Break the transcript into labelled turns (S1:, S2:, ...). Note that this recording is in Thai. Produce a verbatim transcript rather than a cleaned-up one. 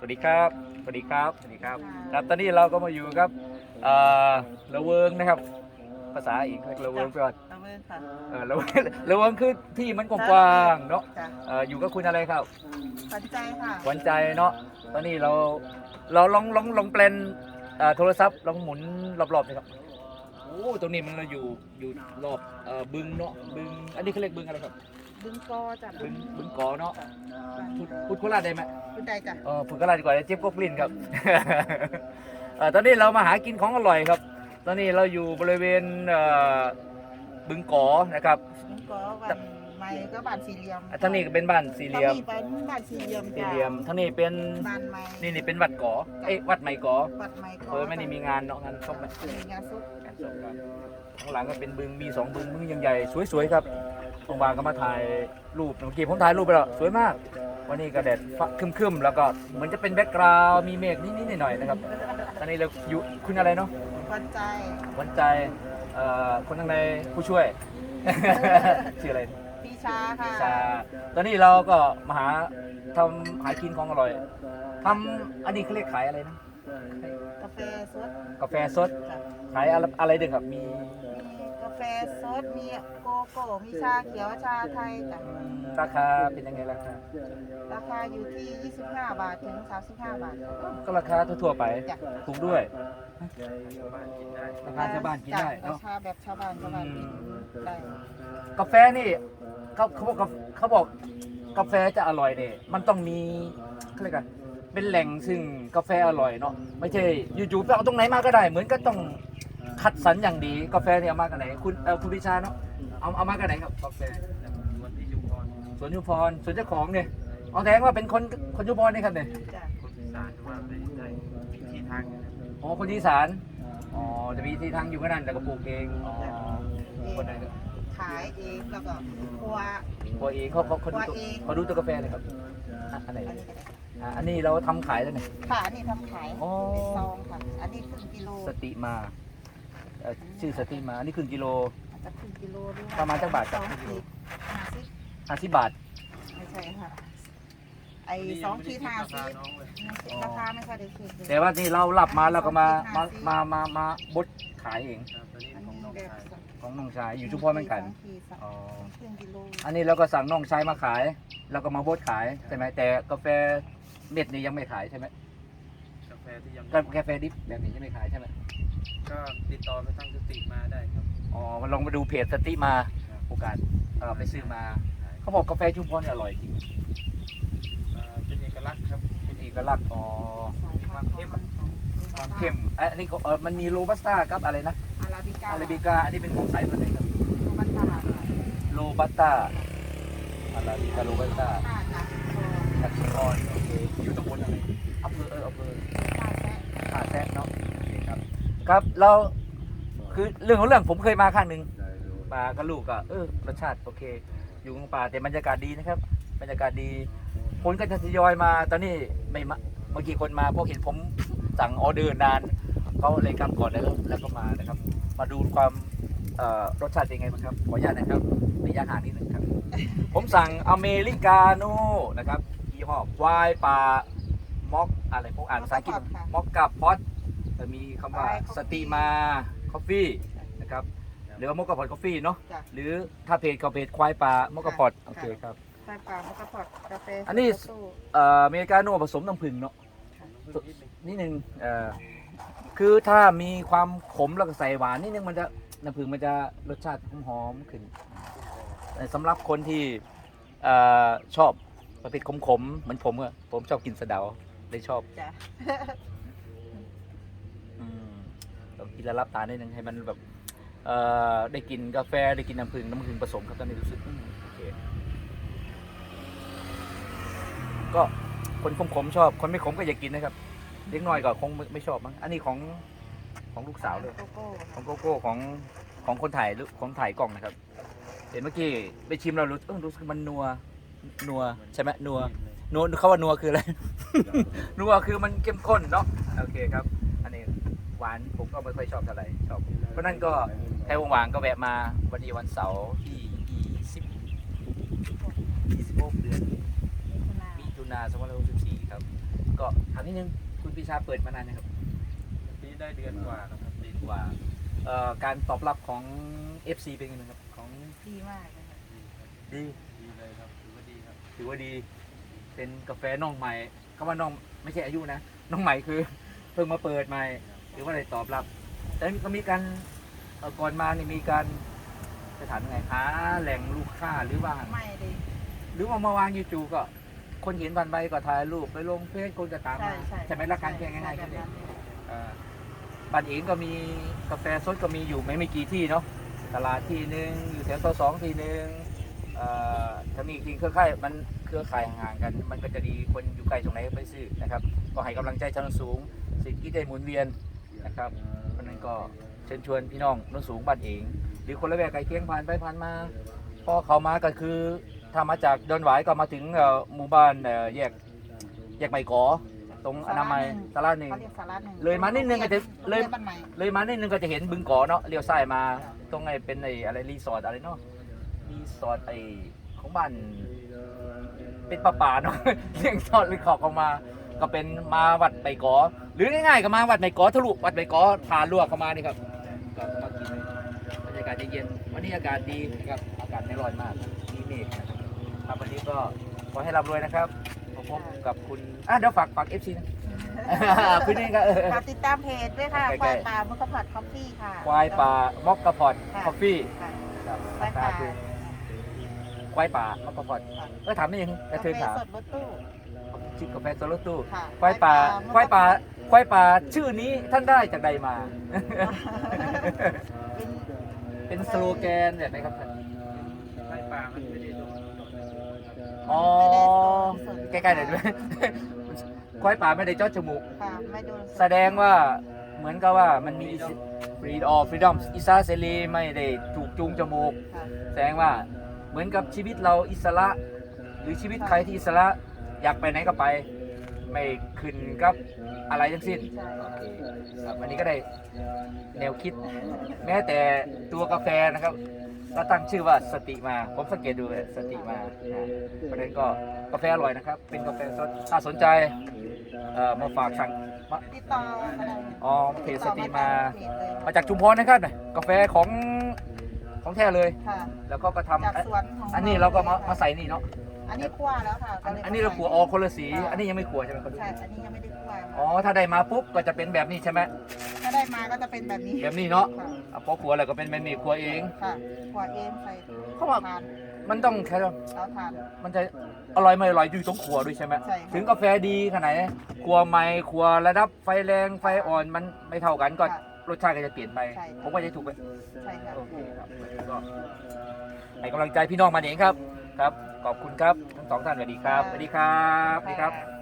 S1: วัสดีครับสวัสดีครับสวัสดีครับครับตอนนี้เราก็มาอยู่กับเอ่อละเวิงนะครับภาษาอีกเรียกละเวิงไปก่อน
S2: ละเมินค่ะ
S1: เออละเวิงละเวิงคือที่มันกว้างๆเนาะ
S2: จ้ะ
S1: เอ่ออยู่กับคุณอะไรครับ
S2: ขวัญใจค่ะ
S1: หวานใจเนาะตอนนี้เราเราลองลองลองแปลนเอ่อโทรศัพท์ลองหมุนรอบๆเลยครับโอ้ตรงนี้มันเราอยู่อยู่รอบเอ่อบึงเนาะบึงอันนี้เขาเรียกบึงอะไรครับ
S2: บึงกอจ้ะ
S1: บึงบึงกอเนาะ
S2: จ้ะ
S1: พูดพูดโคราชได้ไหม
S2: บึงใดจ้ะ
S1: เออฝึกกระไรดีกว่าเจี๊ยบกบลิ้นครับ เออตอนนี้เรามาหากินของอร่อยครับ ตอนนี้เราอยู่บริเวณเอ่อบึงกอนะครับ
S2: บึงกอวันไม้ก็บ้านสี่เหลี่ยม
S1: อ่ะทางนี้ก็เป็นบ้านสี่เหลี่ยม
S2: ทางนี้เป็นบ้านสี่เหลี่ยม
S1: สี่
S2: จ้ะ
S1: เหลี่ยมทางนี้เป็น
S2: บ้านไม้
S1: นี่นี่เป็นวัดกอเอ้ยวัดใหม่กอ
S2: วัดไม้กอ
S1: เออไม่ได้มีงานเนาะงานศพไหม
S2: มีงานศพ
S1: งานศพครับข้างหลังก็เป็นบึงมีสองบึงบึงใหญ่ๆสวยๆครับบางๆก็มาถ่ายรูปเมื่อกี้ผมถ่ายรูปไปแล้วสวยมาก วันนี้ก็แดดฟ้าครึมๆแล้วก็เหมือนจะเป็นแบ็กกราวด์มีเมฆนิดๆหน่อยๆนะครับตอนนี้เราอยู่คุณอะไรเนาะ
S2: ขวัญใจ
S1: หวันใจเอ่อคนข้างในผู้ช่วย ชื่ออะไร
S2: ปีชาค่ะ
S1: ชาตอนนี้เราก็มาหาทำหากินของอร่อยทำอันนี้เขาเรียกขายอะไรนะ
S2: กาแฟสด
S1: กาแฟสด
S2: จ้ะ
S1: ขายอะไรอะไรเด็กครับมี
S2: มีกาแฟสดมีโกโก้มีชาเขียวชาไทยจ้ะ
S1: ราคาเป็นยังไงราคา
S2: ราคาอยู่ที่ยี่สิบห้าบาทถึงสามสิบห้าบาท
S1: ก็ราคาทั่วๆไป
S2: จ้ะ
S1: ถูกด้วยราคาชาวบ้านกินได้
S2: จ้ะรา
S1: เนาะ
S2: คาแบบชาวบ้านชาวบ้านกินได้
S1: กาแฟนี่เขาเขาบอกเขาบอกกาแฟจะอร่อยเนี่ยมันต้องมีเขาเรียกกันเป็นแหล่งซึ่งกาแฟอร่อยเนาะไม่ใช่อยู่ๆไปเอาตรงไหนมาก็ได้ เหมือนก็ต้องคัดสรรอย่างดีกาแฟเนี่ยเอามากันไหนคุณเออคุณพิชาเนาะเอาเอามากันไหนครับกาแฟสวนยุพรสวนเจ้าของเนี่ยเอาแสดงว่าเป็นคนคนยุพรนี่ครับเนี่ย
S2: จ้ะ
S1: อ๋อคนอีสานอ๋อจะมีที่ทางอยู่ก็นั่นแต่ก็ปลูกเองอ๋อคนไหนก็
S2: ขายเองแล้วก็ครัว
S1: ปลูกเองเขาเขาเขาดูตัว
S2: ปลูกเอง
S1: เขาดูตัวกาแฟเลยครับอ่ะอันไหน
S2: อันนี้ก็ได้
S1: อ่ะอันนี้เราทำขายแล้วเนี่ย
S2: ค่ะอันนี้ทำขาย
S1: อ๋อ
S2: เป็นซองค่ะ อันนี้ครึ่งกิโล
S1: สติมาเอ่อชื่อสติมาอันนี้ครึ่งกิโล
S2: อาจจะครึ่งกิโลด้วย
S1: ประมาณจักบาท
S2: ส
S1: ครับ
S2: องขีดห้าสิบ
S1: ห้าสิบบาท
S2: ไม่ใช่ค่ะ ไอ้สองขีดห้าสิบราคาไม่ค่อยได้คิดเลย
S1: แต่ว่านี่เราหลับมาเราก็มามามามามาบดขายเอง
S2: อันนี้แบบ
S1: ของน้องชายอยู่ชุมพรเหมือนกัน
S2: สองขีดสอง
S1: อ๋อ
S2: ครึ่งกิโล
S1: อันนี้เราก็สั่งน้องชายมาขายแล้วก็มาบดขายใช่ไหมแต่กาแฟเม็ดนี่ยังไม่ขายใช่ไหม
S3: กาแฟที่ยัง
S1: กากาแฟดิบแบบนี้ยังไม่ขายใช่ไหม
S3: ก็ติดต่อไปทางสติมาได้ครับ
S1: อ๋อมาลองมาดูเพจสติมาโอกาสเออไปซื้อมาเขาบอกกาแฟชุมพรเนี่ยอร่อยจริง
S3: เอ่อเป็นเอกลักษณ์ครับ
S1: เป็นเอกลักษณ์อ๋อ
S2: สายพันธุ์ของมัน
S1: ความเข้มเอะอันนี้ก็เออมันมีโรบัสต้ากับอะไรนะ
S2: อาราบิก้า
S1: อาราบิกาอันนี้เป็นของสายพันธุ์ไหนครับ
S2: โรบัสต้า
S1: โรบัสต้าอาราบิกาโรบัสต้า
S2: ต้าจากโซ
S1: จากชุมพรโอเคอยู่ตำบลอะไรอำเภอเอออำเภอ
S2: ต้าแซะ
S1: ท่าแซะเนาะโอเคครับครับเราคือเรื่องของเรื่องผมเคยมาครั้งหนึ่งมากับลูกก็เออรสชาติโอเค อยู่กลางป่าแต่บรรยากาศดีนะครับบรรยากาศดีคนก็จะทยอยมาตอนนี้ไม่มาเมื่อกี้คนมาเพราะเห็นผมสั่งออเดอร์นานเขาเลยกลับก่อนแล้วแล้วก็มานะครับ มาดูความเอ่อรสชาติเป็นไงบ้างครับขออนุญาตนะครับระยะห่างนิดนึงครับ ผมสั่งอเมริกาโน่นะครับยี่ห้อควายป่ามอกอะไรพวกอ่านภาษาอังกฤษมอกกับพอตจะมีคำว่าสติมาคอฟฟี่นะครับหรือว่ามอกกับพอตคอฟฟี่เนาะ
S2: จ้ะ
S1: หรือถ้าเพจเขาเพจควายป่ามอกกับพอตโอเคครับ
S2: ใส่ปลาแล้วก็พอดกาแฟ
S1: อันนี้
S2: เอสเปรสโซ่
S1: เอ่ออเมริกาโน่ผสมน้ำผึ้งเนาะนิดนึงเอ่อคือถ้ามีความขมแล้วก็ใส่หวานนิดนึงมันจะน้ำผึ้งมันจะรสชาติหอมๆขึ้นแต่สำหรับคนที่เอ่อชอบประเภทขมๆเหมือนผมอะผมชอบกินสะเดาเลยชอบ
S2: จ้ะ
S1: อืมต้องกินแล้วรับตานิดนึงให้มันแบบเอ่อได้กินกาแฟได้กินน้ำผึ้งน้ำผึ้งผสมครับตอนนี้รู้สึกอืมโอเคก็คนขมๆชอบคนไม่ขมก็อย่ากินนะครับเล็กน้อยก็คงไม่ไม่ชอบมั้งอันนี้ของของลูกสาวเลย
S2: โกโก้
S1: ของโกโก้ของของคนถ่ายรูปของถ่ายกล้องนะครับ เห็นเมื่อกี้ไปชิมเรารู้เออรู้สึกมันนัวนัวใช่ไหมนัวนัวเขาว่านัวคืออะไร นัวคือมันเข้มข้นเนาะโอเคครับ อันนี้หวานผมก็ไม่ค่อยชอบเท่าไหร่ชอบเพราะนั้นก็ใครว่างๆก็แวะมาวันนี้วันเสาร์ที่ยี่สิบยี่สิบหกเดือนมิถุนายนสองพันห้าร้อยหกสิบสี่ครับก็ถามนิดนึงคุณปีชาเปิดมานานนะครับ
S3: ปีได้เดือนกว่าแล้วครับ
S1: ดีกว่าเอ่อการตอบรับของ เอฟ ซี เป็นยังไงครับของ
S2: ดีมากเลยค่ะ
S1: ดี
S3: ดีเลยครับถือว่าดีครับ
S1: ถือว่าดี เป็นกาแฟน้องใหม่คำว่าน้องไม่ใช่อายุนะ น้องใหม่คือเพิ่งมาเปิดใหม่หรือว่าอะไรตอบรับ แต่ก็มีการเอ่อก่อนมานี่มีการจะถามยังไงหาแหล่งลูกค้าหรือว่า
S2: ไม่ดี
S1: หรือว่ามาวางยูทูบก็ คนเห็นบันใบก็ถ่ายรูปไปลงเฟซคนก็ตาม
S2: ใช่
S1: มา
S2: ใช่
S1: ใช่ไหมหลักการแค่ง่ายๆ
S2: แบ
S1: แค่
S2: บ
S1: นี้
S2: นั้น
S1: อ่าบ้านเองก็มีกาแฟสดก็มีอยู่ไม่ไม่กี่ที่เนาะตลาดที่หนึ่งอยู่แถวซอยสองที่หนึ่งเอ่อถ้ามีจริงเครือข่ายมันเครือข่ายห่างๆกัน มันก็จะดีคนอยู่ไกลตรงไหนก็ไปซื้อนะครับ ก็ให้กำลังใจชาวโนนสูงสิทธิได้หมุนเวียนนะครับเพราะฉะนั้นก็เชิญชวนพี่น้องโนนสูงบ้านเอง หรือคนละแวกไกลเคียงผ่านไปผ่านมาพอเขามาก็คือถ้ามาจากดอนหวายก็มาถึงเอ่อหมู่บ้านเอ่อแยกแยกใบกอตรงอนามัยสาราหนึ่ง
S2: เขาเรียกสาระหนึ่ง
S1: เลยมานิดนึงก็จะเลย
S2: บ้านใหม่
S1: เลยมานิดนึงก็จะเห็นบึงกอเนาะเลี้ยวซ้ายมาตรงไอ้เป็นไอ้อะไรรีสอร์ทอะไรเนาะรีสอร์ทไอ้ของบ้านเป็นป่าป่าๆเนาะ เลี้ยงทอดหรือขอบออกมา ก็เป็นมาวัดใบกอ หรือง่ายๆก็มาวัดใบกอทะลุวัดใบกอผ่านลวกเข้ามานี่ครับก็มากินบรรยากาศเย็นๆวันนี้อากาศดีนะครับอากาศไม่ร้อนมากมีเมฆนะครับครับวันนี้ก็ขอให้ร่ำรวยนะครับพบกับคุณอ่ะเดี๋ยวฝากฝากเอฟซีนะ คุณนี่ก็เออ
S2: ฝากติดตามเพจด้วยค่ะ
S1: ใกล้ๆ
S2: ควายป่ามุกผัดคอฟฟี่ค่ะ
S1: ควายป่ามอกกระพอด
S2: ค่ะ
S1: คอฟฟี่
S2: ค่ะ
S1: ครับ
S2: ควายป่า
S1: คือควายป่ามอกกระพอดก็ถามได้ยังกระเทือนถาม
S2: กาแฟสดรถตู้
S1: ชิคกาแฟโซโลตู้
S2: ค่ะ
S1: ควายป่าควายป่าควายป่าชื่อนี้ท่านได้จากใดมา
S2: เป็น
S1: เป็นสโลแกนแบบไหมครับท่าน
S3: ไฟป่ามันไม่ได้โดนโดน
S1: อ๋อ
S2: ไม่ได้สด
S1: ใกล้ๆหน่อยด้วย ควายป่าไม่ได้เจาะจมูก
S2: ค่ะไม่โดน
S1: แสดงว่าเหมือนกับว่ามันมีฟรีดอฟฟรีดอมอิสระเสรีไม่ได้ถูกจูงจมูก
S2: ค่ะ
S1: แสดงว่าเหมือนกับชีวิตเราอิสระ หรือชีวิตใครที่อิสระอยากไปไหนก็ไป ไม่ขึ้นกับอะไรทั้งสิ้น
S2: ใช่
S1: โอเคครับวันนี้ก็ได้แนวคิด แม้แต่ตัวกาแฟนะครับก็ตั้งชื่อว่าสติมาผมสังเกตดูเลยสติมานะเพราะฉะนั้นก็กาแฟอร่อยนะครับ เป็นกาแฟสดถ้าสนใจเอ่อมาฝากสั่งมา
S2: ติดต่อก็ได้
S1: อ๋อเพจสติมา
S2: เพจเลย
S1: มาจากชุมพรนะครับน่ะกาแฟของของแท้เลย
S2: ค่ะ
S1: แล้วก็ก็ทำ
S2: จากสวนของ
S1: อันนี้เราก็มามาใส่นี่เนาะ
S2: อันนี้คั่วแล้วค่ะ
S1: อันอันนี้เราขัวออกคนละสี อันนี้ยังไม่ขัวใช่ไหมครับ
S2: ใช่ อันนี้ยังไม่ได้คั่ว
S1: อ๋อ ถ้าได้มาปุ๊บก็จะเป็นแบบนี้ใช่ไหม
S2: ถ้าได้มาก็จะเป็นแบบนี้
S1: แบบนี้เนาะ
S2: ค่ะ
S1: อ่ะพอขัวแล้วก็เป็นแบบนี้ขัวเอง
S2: ค่ะคั่วเองใส่
S1: เขาว่า
S2: ทาน
S1: มันต้องแค่ว่า
S2: แล้วทาน
S1: มันจะอร่อยไม่อร่อยอยู่ตรงขัวด้วยใช่ไหม
S2: ใช่ค่ะ
S1: ถึงกาแฟดีขนาดไหนขัวใหม่ขัวระดับไฟแรงไฟอ่อนมันไม่เท่ากันก็
S2: ค่ะ
S1: รสชาติก็จะเปลี่ยนไป
S2: ใช่
S1: ผมว่าจะถูกไป
S2: ใช่ค่ะ
S1: โอเคครับก็ให้กำลังใจพี่น้องมาเองครับ ครับ ขอบคุณครับทั้งสองท่านสวัสดีครับสวัสดีครับสวัสดีครับ